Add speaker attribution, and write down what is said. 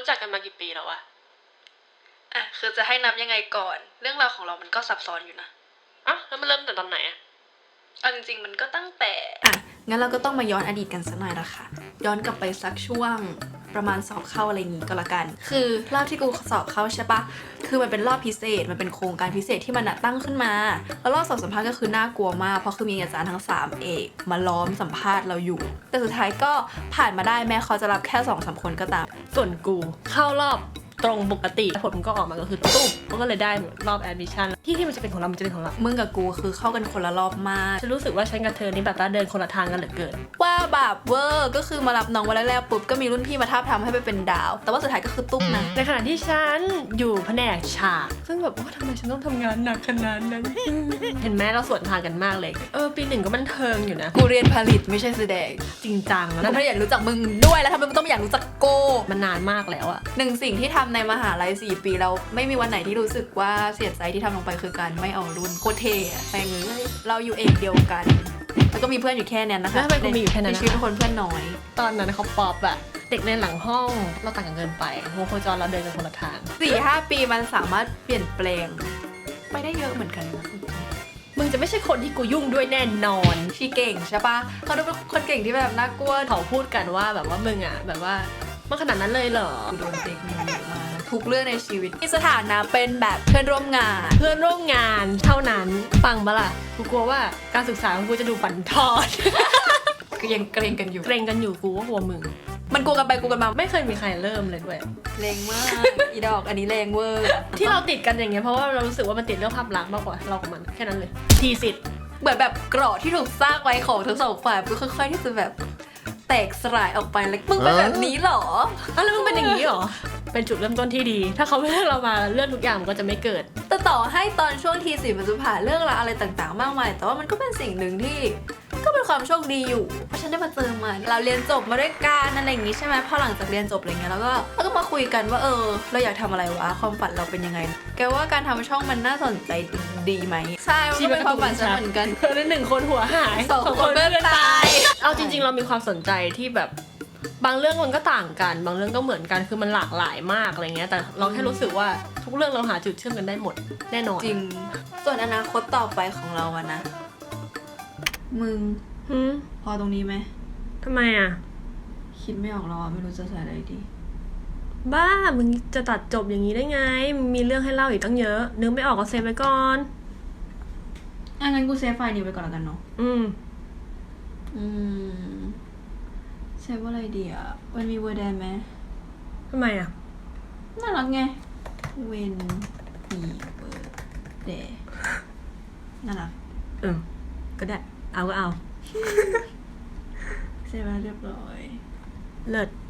Speaker 1: รู้จักกันมากี่ปีแล้ววะ
Speaker 2: คือจะให้นับยังไงก่อนเรื่องราวของเรามันก็ซับซ้อนอยู่นะ
Speaker 1: แล้วมันเริ่มแต่ตอนไหน
Speaker 2: จริงๆมันก็ตั้งแต่
Speaker 3: งั้นเราก็ต้องมาย้อนอดีตกันสักหน่อยละค่ะย้อนกลับไปสักช่วงประมาณสอบเข้าอะไรอย่างงี้ก็แล้วกันคือรอบที่กูสอบเข้าใช่ปะคือมันเป็นรอบพิเศษมันเป็นโครงการพิเศษที่มันตั้งขึ้นมาแล้วรอบสอบสัมภาษณ์ก็คือน่ากลัวมากเพราะคือมีอาจารย์ทั้ง3เอกมาล้อมสัมภาษณ์เราอยู่แต่สุดท้ายก็ผ่านมาได้แม้เขาจะรับแค่ 2-3 คนก็ตาม
Speaker 1: ส่วนกูเข้ารอบตรงปกติผลมันก็ออกมาก็คือตุ๊บก็เลยได้รอบแอดมิชชั่นที่มันจะเป็นของเรามันจะเป็นของเรา
Speaker 3: มึงกับกูคือเข้ากันคนละรอบมาก
Speaker 1: ฉันรู้สึกว่าฉันกับเธอนี่แบบว่าเดินคนละทางกันเหลือเกิน
Speaker 3: ว่าแบบเวอร์ก็คือมารับน้องวันแรกๆปุ๊บก็มีรุ่นพี่มาทาบทำให้ไปเป็นดาวแต่ว่าสุดท้ายก็คือตุ๊บนะ
Speaker 1: ในขณะที่ฉันอยู่แผนกฉากซึ่งแบบว่าทำไมฉันต้องทำงานหนักขนาดนั้นเห็นไหมเราสวนทางกันมากเลยปี1ก็บันเทิงอยู่นะ
Speaker 3: กูเรียนผลิตไม่ใช่แสดง
Speaker 1: จริงจัง
Speaker 3: แล้วถ้าอยากรู้จักมึงด้วยแล้วทำไมมึงต้องอยากรู้จักโก้
Speaker 1: มันนานมากแล้ว
Speaker 3: หนึ่งสิ่งที่ทำในมหาลัย4 ปีเราไม่มีวันไหนที่รู้สึกว่าเสียใจที่ทำลงไปคือการไม่เอารุ่นโคตรเท่แปลงเลยเราอยู่เอกเดียวกันแล้วก็มีเพื่อนอยู่แค่นั้นนะคะ
Speaker 1: แล้วทำไมกูมีอยู่แค่นั้น
Speaker 3: ในชีวิตคนเพื่อนน้อย
Speaker 1: ตอนนั้นเขาป๊อปเด็กในหลังห้องเราต่างกันเกินไปโมโคจรเราเดินกันคนละทาง
Speaker 3: 4-5 ปีมันสามารถเปลี่ยนแปลงไปได้เยอะเหมือนกันนะ
Speaker 1: มึงจะไม่ใช่คนที่กูยุ่งด้วยแน่นอน
Speaker 3: ชีเก่งใช่ปะเขาดูเป็นคนเก่งที่แบบน่ากลัว
Speaker 1: เขาพูดกันว่าแบบว่ามึงแบบว่ามันขนาดนั้นเลยเหรอ
Speaker 3: กูโดนเด็กมีเยอะมากทุกเรื่องในชีวิตที่สถานะเป็นแบบเพื่อนร่วมงาน
Speaker 1: เท่านั้นฟังปะล่ะกูกลัวว่าการศึกษาของกูจะดูบั่นทอน
Speaker 3: ก็ยังเกรงกันอยู่
Speaker 1: กูว่ากลัวมึง
Speaker 3: มันกลัวกันไปกลัวกันมา
Speaker 1: ไม่เคยมีใครเริ่มเลยด้วย
Speaker 3: แรงมากอีดอกอันนี้แรงเวอร์
Speaker 1: ที่เราติดกันอย่างเงี้ยเพราะว่าเรารู้สึกว่ามันติดเรื่องภาพลักษณ์มากกว่าเรากับมันแค่นั้นเลยทีสิทธิ์
Speaker 3: เหมือนแบบเกราะที่ถูกสร้างไว้ของทั้งสองฝ่ายก็ค่อยๆที่จะแบบแตกสลายออกไปแล้วมึงเป็นแบบนี้หรอ
Speaker 1: แล้วมึงเป็นอย่างนี้หรอเป็นจุดเริ่มต้นที่ดีถ้าเขาไม่เลือกเรามาเรื่องทุกอย่างมันก็จะไม่เกิด
Speaker 3: แต่ต่อให้ตอนช่วงที4มันจะผ่านเรื่องราวอะไรต่างๆมากมายแต่ว่ามันก็เป็นสิ่งหนึ่งที่ก็เป็นความโชคดีอยู่เพราะฉันได้มาเจอมันเราเรียนจบมาด้วยกันอะไรอย่างงี้ใช่ไหมพอหลังจากเรียนจบอะไรเงี้ยแล้วก็มาคุยกันว่าเราอยากทำอะไรวะความฝันเราเป็นยังไงแกว่าการทำช่องมันน่าสนใจดีไหมใช่มันเป็นความฝันฉันเหมือนกัน
Speaker 1: เธอ1 คนหัวหาย
Speaker 3: 2 คนเพื่อนตาย
Speaker 1: เอาจริงๆเรามีความสนใจที่แบบบางเรื่องมันก็ต่างกันบางเรื่องก็เหมือนกันคือมันหลากหลายมากอะไรเงี้ยแต่เราแค่รู้สึกว่าทุกเรื่องเราหาจุดเชื่อมกันได้หมดแน่นอน
Speaker 3: จริงส่วนอนาคตต่อไปของเราอะนะมึงพอตรงนี้ไหม
Speaker 1: ทำไม
Speaker 3: คิดไม่ออกแล้วไม่รู้จะใส่อะไรดี
Speaker 1: บ้ามึงจะตัดจบอย่างนี้ได้ไงมีเรื่องให้เล่าอีกตั้งเยอะนึกไม่ออกก็เซฟไว้ก่อน
Speaker 3: งั้นกูเซฟไฟล์นี้ไว้ก่อนแล้วกันเนาะเซฟว่าอะไรดีมันมีเวอร์แดนไหม
Speaker 1: ทำไม
Speaker 3: น่ารักไงเวนมีเวอร์แดนน่ารัก
Speaker 1: ก็ได้เอาก็เอา
Speaker 3: เซฟแล้วเรียบร้อย
Speaker 1: เลิศ